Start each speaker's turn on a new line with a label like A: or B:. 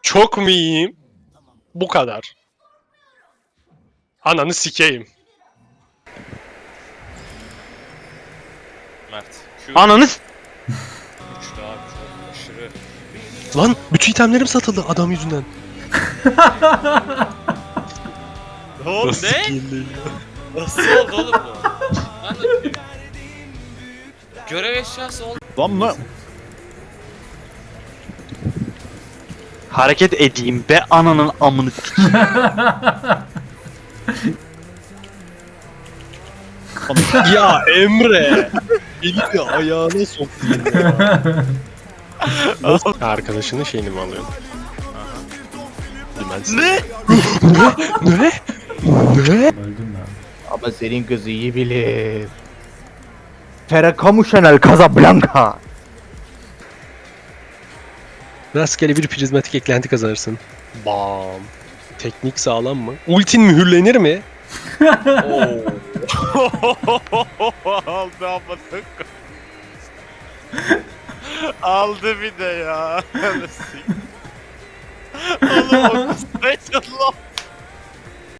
A: Çok mu iyiyim? Bu kadar. Ananı sikeyim.
B: Mert. Q
C: Ananız.
B: güçlü abi çok aşırı.
A: Lan bütün itemlerim satıldı adam yüzünden.
B: Oğlum
A: Nasıl
B: ne?
A: sikeyim
B: Nasıl oldu oğlum bu? Ben de... Görev eşyası oldu.
D: Lan mı?
C: Hareket edeyim be ananın amını.
A: Ya Emre. Elini ayağına soktun ya. Arkadaşının şeyini mi alıyorsun?
B: Ne?
A: Ne? Ne?
D: Ama senin kızı iyi bilir. Ferrakamu Chanel Casablanca.
A: Rastgele bir prizmatik eklenti kazanırsın. Bam. Teknik sağlam mı? Ultin mühürlenir mi?
B: Aldı amadık. Aldı bir de ya. Oğlum o kız ne lan?